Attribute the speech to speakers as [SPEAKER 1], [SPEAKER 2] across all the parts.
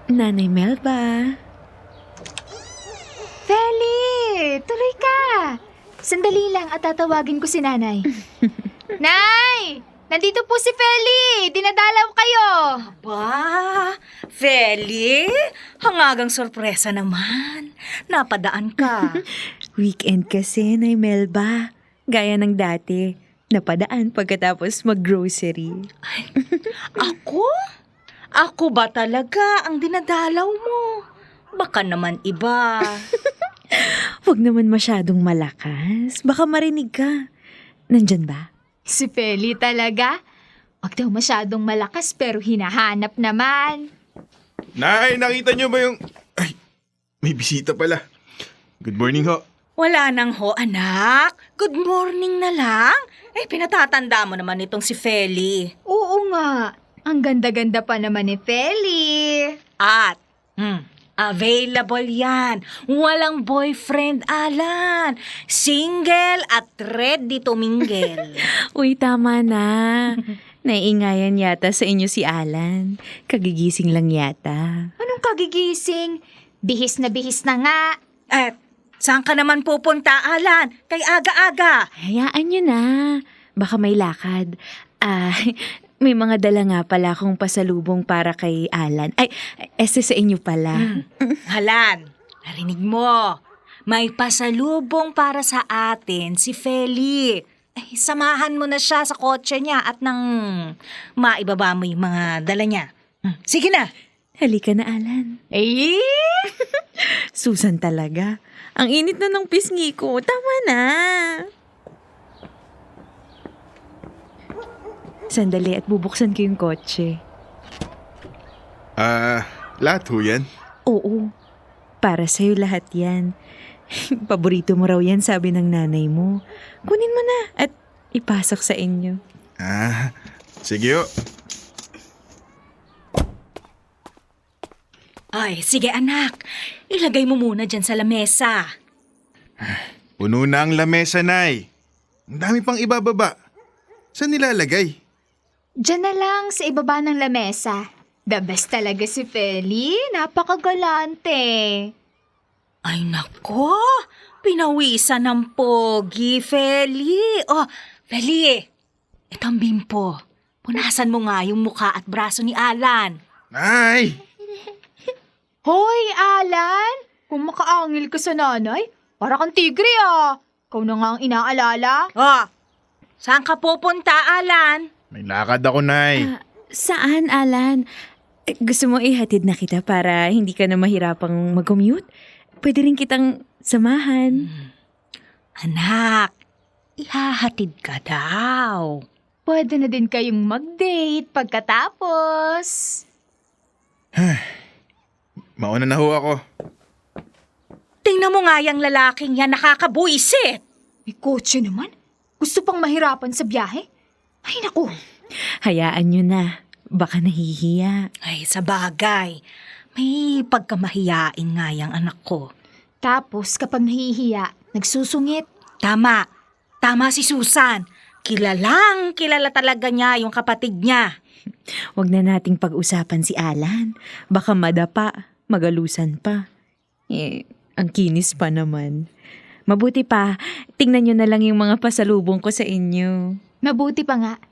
[SPEAKER 1] Nanay Melba.
[SPEAKER 2] Feli! Tuloy ka! Sandali lang at tatawagin ko si nanay. Nay! Nandito po si Feli! Dinadalaw kayo!
[SPEAKER 3] Ba, Feli? Hangagang sorpresa naman. Napadaan ka.
[SPEAKER 1] Weekend kasi, Nay Melba. Gaya ng dati. Napadaan pagkatapos mag-grocery.
[SPEAKER 3] Ako? Ako ba talaga ang dinadalaw mo? Baka naman iba.
[SPEAKER 1] Huwag naman masyadong malakas. Baka marinig ka. Nandyan ba?
[SPEAKER 2] Si Feli talaga? Huwag daw masyadong malakas pero hinahanap naman.
[SPEAKER 4] Nay, nakita niyo ba yung... Ay, may bisita pala. Good morning ho.
[SPEAKER 3] Wala nang ho, anak. Good morning na lang. Pinatatanda mo naman itong si Feli.
[SPEAKER 2] Oo nga. Ang ganda-ganda pa naman ni Feli.
[SPEAKER 3] At, available yan. Walang boyfriend, Alan. Single at ready to mingle.
[SPEAKER 1] Uy, tama na. Naiingayan yata sa inyo si Alan. Kagigising lang yata.
[SPEAKER 2] Anong kagigising? Bihis na nga.
[SPEAKER 3] At, saan ka naman pupunta, Alan? Kay aga-aga.
[SPEAKER 1] Hayaan nyo na. Baka may lakad. May mga dala nga pala akong pasalubong para kay Alan. Ay, sa inyo pala.
[SPEAKER 3] Alan, narinig mo. May pasalubong para sa atin si Feli. Samahan mo na siya sa kotse niya at nang maibaba mo yung mga dala niya. Sige na.
[SPEAKER 1] Halika na, Alan.
[SPEAKER 2] Eh?
[SPEAKER 1] Susan talaga. Ang init na ng pisngi ko. Tama na. Sandali at bubuksan ko yung kotse.
[SPEAKER 4] Lahat ho yan?
[SPEAKER 1] Oo. Para sa'yo lahat yan. Paborito mo raw yan, sabi ng nanay mo. Kunin mo na at ipasok sa inyo.
[SPEAKER 4] Sige ho.
[SPEAKER 3] Ay, sige anak. Ilagay mo muna dyan sa lamesa.
[SPEAKER 4] Puno na ang lamesa, Nay. Ang dami pang ibababa. Saan nilalagay?
[SPEAKER 2] Diyan na lang sa ibaba ng lamesa. The best talaga si Feli. Napakagalante.
[SPEAKER 3] Ay nako, pinawisan ng pogi, Feli. Oh, Feli, itong bimpo. Punasan mo nga yung mukha at braso ni Alan.
[SPEAKER 4] Nay!
[SPEAKER 2] Hoy, Alan! Kung makaangil ka sa nanay, para kang tigre ah. Ikaw na nga ang inaalala.
[SPEAKER 3] Oh, saan ka pupunta, Alan?
[SPEAKER 4] May lakad ako, Nay.
[SPEAKER 1] Saan, Alan? Gusto mo ihatid na kita para hindi ka na mahirapang mag-commute? Pwede rin kitang samahan.
[SPEAKER 3] Anak, ihahatid ka daw.
[SPEAKER 2] Pwede na din kayong mag-date pagkatapos.
[SPEAKER 4] Mauna na ho ako.
[SPEAKER 3] Tingnan mo nga yung lalaking yan, nakakabuisit.
[SPEAKER 2] May kotse naman. Gusto pang mahirapan sa biyahe? Ay naku.
[SPEAKER 1] Hayaan nyo na. Baka nahihiya.
[SPEAKER 3] Ay, sa bagay. May pagkamahiyain nga yung anak ko.
[SPEAKER 2] Tapos kapag nahihiya, nagsusungit.
[SPEAKER 3] Tama. Tama si Susan. Kilala talaga niya yung kapatid niya.
[SPEAKER 1] Huwag na nating pag-usapan si Alan. Baka madapa, magalusan pa. Ang kinis pa naman. Mabuti pa, tingnan nyo na lang yung mga pasalubong ko sa inyo.
[SPEAKER 2] Mabuti pa nga.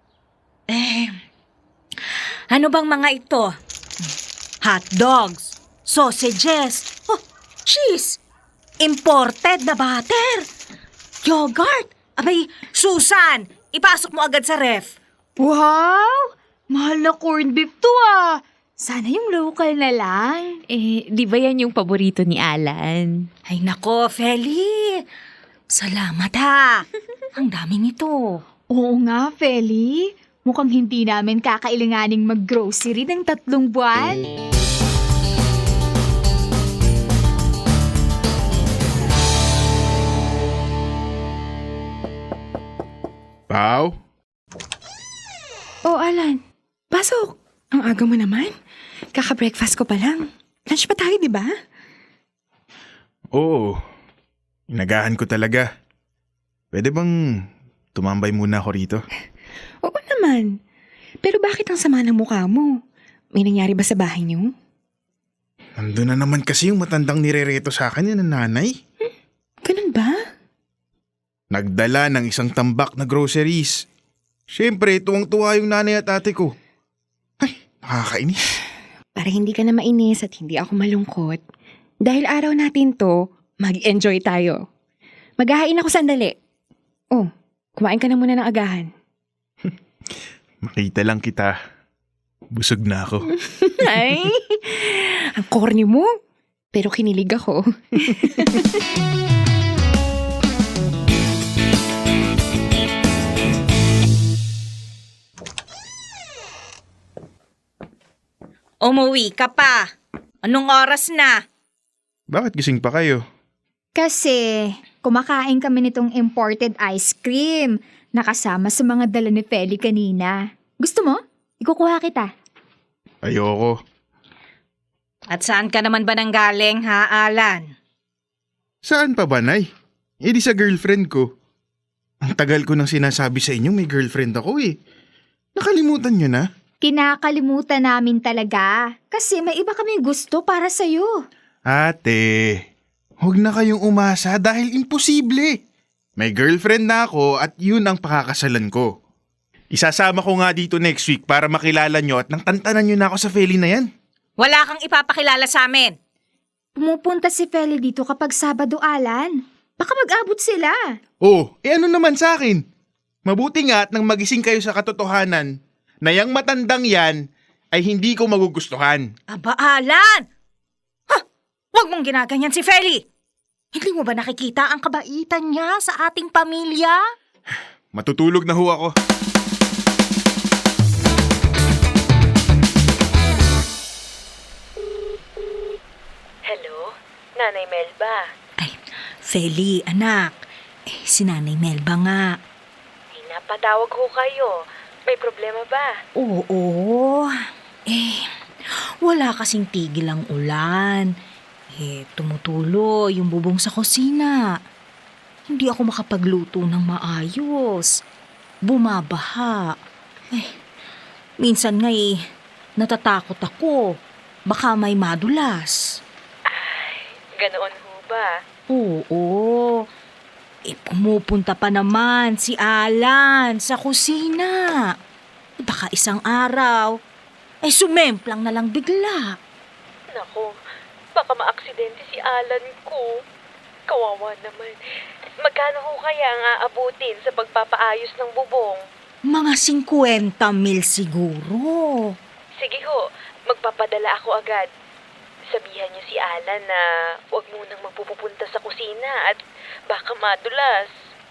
[SPEAKER 3] Ano bang mga ito? Hot dogs, sausages, cheese, imported na butter, yogurt. Abay, Susan, ipasok mo agad sa ref.
[SPEAKER 2] Wow! Mahal na corned beef to ah. Sana yung local na lang.
[SPEAKER 1] Di ba yan yung paborito ni Alan?
[SPEAKER 3] Ay nako, Feli. Salamat ha. Ang daming ito.
[SPEAKER 2] Oo nga, Feli. Mukhang hindi namin kakailanganing mag-grocery ng 3 buwan.
[SPEAKER 4] Pao?
[SPEAKER 5] Oh, Alan. Pasok. Ang aga mo naman. Kaka-breakfast ko pa lang. Lunch pa tayo, di ba?
[SPEAKER 4] Oo. Inagahan ko talaga. Pwede bang tumambay muna ako rito?
[SPEAKER 5] Oo naman. Pero bakit ang sama ng mukha mo? May nangyari ba sa bahay niyo?
[SPEAKER 4] Nandun na naman kasi yung matandang nirereto sa akin yan ng nanay.
[SPEAKER 5] Ganun ba?
[SPEAKER 4] Nagdala ng isang tambak na groceries. Siyempre, tuwang-tuwa yung nanay at ate ko. Ay, nakakainis.
[SPEAKER 5] Para hindi ka na mainis at hindi ako malungkot, dahil araw natin to, mag-enjoy tayo. Maghahain ako sandali. Oh, kumain ka na muna ng agahan.
[SPEAKER 4] Makita lang kita. Busog na ako.
[SPEAKER 5] Ay, ang corny mo. Pero kinilig ako.
[SPEAKER 3] Umuwi ka pa. Anong oras na?
[SPEAKER 4] Bakit gising pa kayo?
[SPEAKER 2] Kasi kumakain kami nitong imported ice cream na kasama sa mga dala ni Feli kanina. Gusto mo? Ikukuha kita.
[SPEAKER 4] Ayoko.
[SPEAKER 3] At saan ka naman ba nanggaling, ha, Alan?
[SPEAKER 4] Saan pa ba, Nay? Eh di sa girlfriend ko. Ang tagal ko nang sinasabi sa inyo may girlfriend ako eh. Nakalimutan nyo na?
[SPEAKER 2] Kinakalimutan namin talaga kasi may iba kaming gusto para sa'yo.
[SPEAKER 4] Ate, huwag na kayong umasa dahil imposible. May girlfriend na ako at yun ang pakakasalan ko. Isasama ko nga dito next week para makilala nyo at nang tantanan nyo na ako sa Feli na yan.
[SPEAKER 3] Wala kang ipapakilala sa amin.
[SPEAKER 2] Pumupunta si Feli dito kapag Sabado, Alan. Baka mag-abot sila.
[SPEAKER 4] Oh, ano naman sa akin? Mabuti nga at nang magising kayo sa katotohanan na yang matandang yan ay hindi ko magugustuhan.
[SPEAKER 3] Aba, Alan! Ha! Huwag mong ginaganyan si Feli! Hindi mo ba nakikita ang kabaitan niya sa ating pamilya?
[SPEAKER 4] Matutulog na ho ako.
[SPEAKER 6] Hello? Nanay Melba?
[SPEAKER 3] Ay, Feli, anak. Si Nanay Melba nga.
[SPEAKER 6] Ay, napatawag ho kayo. May problema ba?
[SPEAKER 3] Oo. Wala kasing tigil ang ulan. Tumutulo yung bubong sa kusina. Hindi ako makapagluto ng maayos. Bumabaha. Minsan nga natatakot ako. Baka may madulas.
[SPEAKER 6] Ganoon ho ba?
[SPEAKER 3] Oo. Pumupunta pa naman si Alan sa kusina. Baka isang araw, sumemplang na lang bigla.
[SPEAKER 6] Nako, baka maaksidente si Alan ko. Kawawa naman. Magkano ho kaya ang aabutin sa pagpapaayos ng bubong?
[SPEAKER 3] Mga 50,000 siguro.
[SPEAKER 6] Sige ho, magpapadala ako agad. Sabihan niyo si Alan na huwag munang magpupunta sa kusina at baka madulas.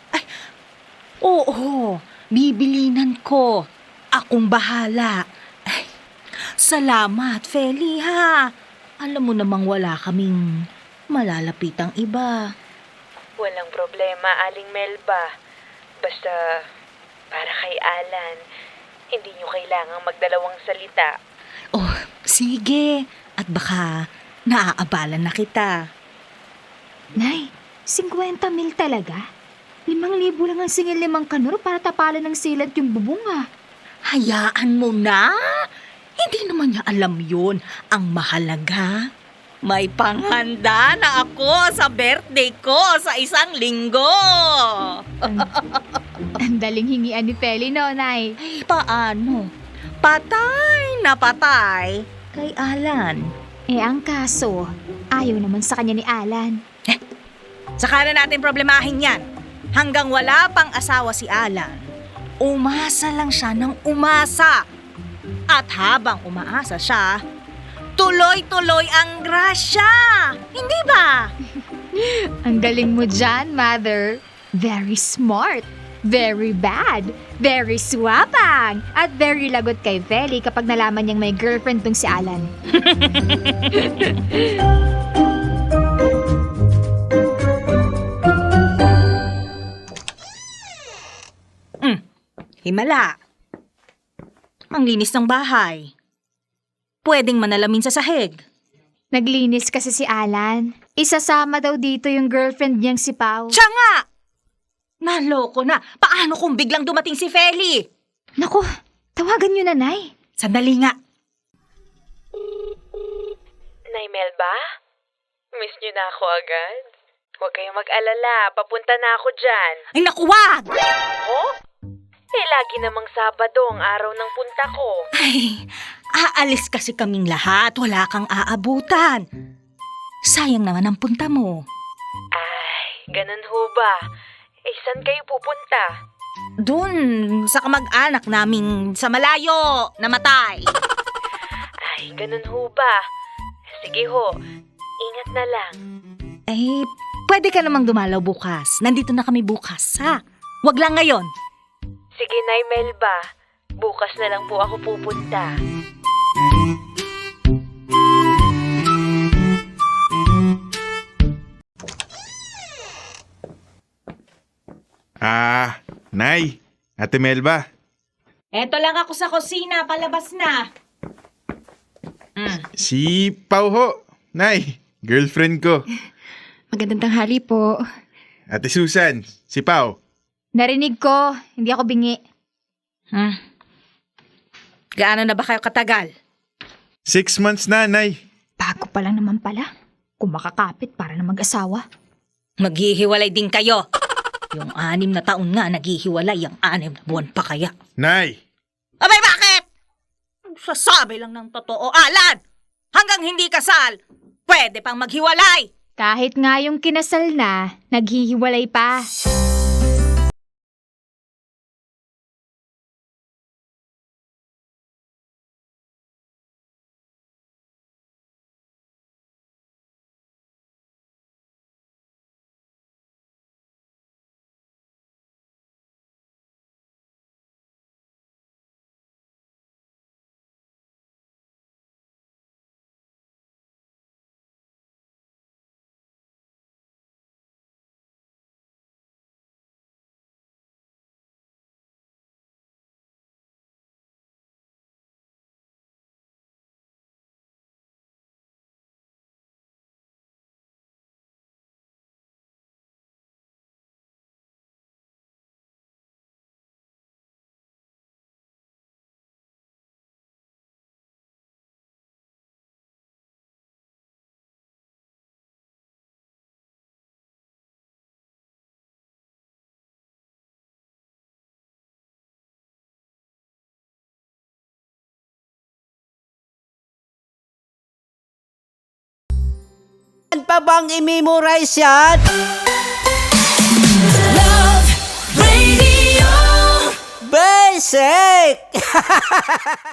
[SPEAKER 3] Oo, bibilinan ko. Akong bahala. Salamat, Feli, ha. Alam mo namang wala kaming malalapitang iba.
[SPEAKER 6] Walang problema, Aling Melba. Basta para kay Alan, hindi niyo kailangang magdalawang salita.
[SPEAKER 3] Oh, sige. At baka naaabala na kita.
[SPEAKER 2] Nay, 50,000 talaga? 5,000 lang ang singil 5 kanor para tapalan ng silat yung bubong ah.
[SPEAKER 3] Hayaan mo na. Hindi naman niya alam yun. Ang mahalaga, may panghanda na ako sa birthday ko sa 1 linggo.
[SPEAKER 2] Ang daling hingian ni Feli, no, Nay?
[SPEAKER 3] Paano? Patay na patay kay Alan.
[SPEAKER 2] Ang kaso, ayaw naman sa kanya ni Alan.
[SPEAKER 3] Saka na natin problemahin yan. Hanggang wala pang asawa si Alan, umasa lang siya ng umasa. At habang umaasa siya, tuloy-tuloy ang grasya. Hindi ba?
[SPEAKER 2] Ang galing mo dyan, Mother. Very smart, very bad, very swapang, at very lagot kay Feli kapag nalaman niyang may girlfriend tong si Alan.
[SPEAKER 3] Himala. Ang linis ng bahay. Pwedeng manalamin sa sahig.
[SPEAKER 2] Naglinis kasi si Alan. Isasama daw dito yung girlfriend niyang si Pao.
[SPEAKER 3] Siya nga! Naloko na. Paano kung biglang dumating si Feli?
[SPEAKER 2] Naku, tawagan niyo na, Nay.
[SPEAKER 3] Sandali nga.
[SPEAKER 6] Nay Melba? Miss niyo na ako agad? Huwag kayong mag-alala, papunta na ako dyan.
[SPEAKER 3] Ay, naku, wag!
[SPEAKER 6] Oh? Eh, lagi namang Sabado ang araw ng punta ko.
[SPEAKER 3] Ay, aalis kasi kaming lahat. Wala kang aabutan. Sayang naman ang punta mo.
[SPEAKER 6] Ay, ganun ho ba? Eh, saan kayo pupunta?
[SPEAKER 3] Doon, sa kamag-anak naming sa malayo, namatay.
[SPEAKER 6] Ay, ganun ho ba? Sige ho, ingat na lang.
[SPEAKER 3] Eh, pwede ka namang dumalaw bukas. Nandito na kami bukas, ha? Wag lang ngayon.
[SPEAKER 6] Sige, Nay Melba. Bukas na lang po ako pupunta.
[SPEAKER 4] Nay, Ate Melba.
[SPEAKER 3] Eto lang ako sa kusina, palabas na.
[SPEAKER 4] Si Pau ho. Nay, girlfriend ko.
[SPEAKER 5] Magandang tanghali po.
[SPEAKER 4] Ate Susan, si Pau.
[SPEAKER 2] Narinig ko, hindi ako bingi.
[SPEAKER 3] Gaano na ba kayo katagal?
[SPEAKER 4] 6 months na, Nay.
[SPEAKER 2] Bago pa lang naman pala. Kung makakapit para na mag-asawa.
[SPEAKER 3] Maghihiwalay din kayo. Yung 6 na taon nga naghihiwalay, yung 6 na buwan pa kaya.
[SPEAKER 4] Nay,
[SPEAKER 3] Abay, bakit? Sasabi lang ng totoo, Alan! Hanggang hindi kasal, pwede pang maghiwalay!
[SPEAKER 2] Kahit nga yung kinasal na, naghihiwalay pa.
[SPEAKER 7] Pa bang i-memorize yan? Basic!